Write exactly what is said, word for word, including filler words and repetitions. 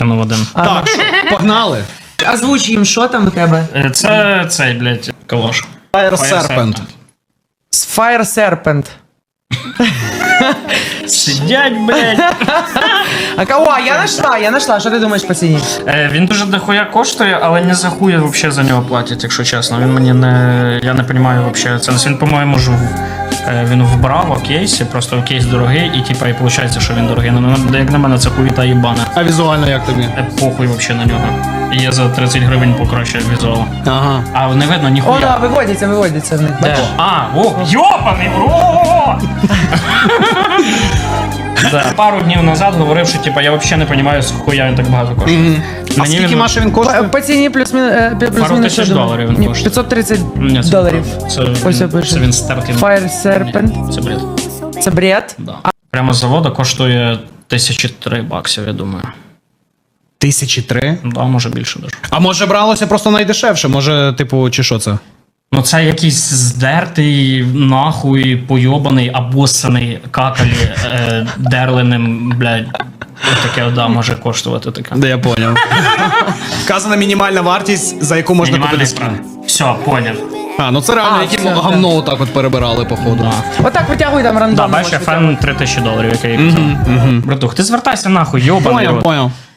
Ну, один. Так, що, погнали. Озвуч їм, що там у тебе? Е, Це цей, блядь, калош. Fire Serpent. Fire Serpent. Сидять, блядь. А кого? Я нашла, я нашла. Що ти думаєш по ціні? Е, Він дуже дохуя коштує, але не за хуя вообще за нього платять, якщо чесно. Він мені не... Я не розумію вообще. Це він, по-моєму, ж в- е, він вбрав у кейсі, просто кейс дорогий, і типа і виходить, що він дорогий. Ну, на- як на мене, це хуїта їбана. А візуально як тобі? Е, Похуй вообще на нього. І я за тридцять гривень покращую візуал. Ага. А не видно О, ніхуя. да, виводяться, виводяться в них. Де? Бачиш? А, о, йобаний, о! Да. Пару днів назад говорив, що типа я взагалі не розумію, з хуя він так багато коштує. А скільки, він- Маша, він По, коштує? по ціні плюс-мінус е, Пару плюс-мінус. тисяч я думаю. доларів він Ні, коштує. п'ятсот тридцять Ні, це доларів. Це, Ось я він, пишу. це він стертий. Fire Serpent. Це бред. Це бред. Да. Прямо з заводу коштує тисячі три баксів, я думаю. Тисячі три. Да, може більше даже. А може бралося просто найдешевше? Може, типу, чи що це? Ну це якийсь здертий, нахуй, пойобаний, обоссаний какалі е, дерленим, блядь. Таке, да, може коштувати таке. Да, я поняв. Вказана мінімальна вартість, за яку можна Мінімальний купити скін. прав. Все, поняв. А, ну це реально, А, які все, гамно отак от перебирали, походу. Да. Отак витягуй там Да, рандомно. бачиш, можеш фен три тисячі доларів, який я казав. Братух, ти звертайся нахуй, йобаний Поняв, рот. поняв.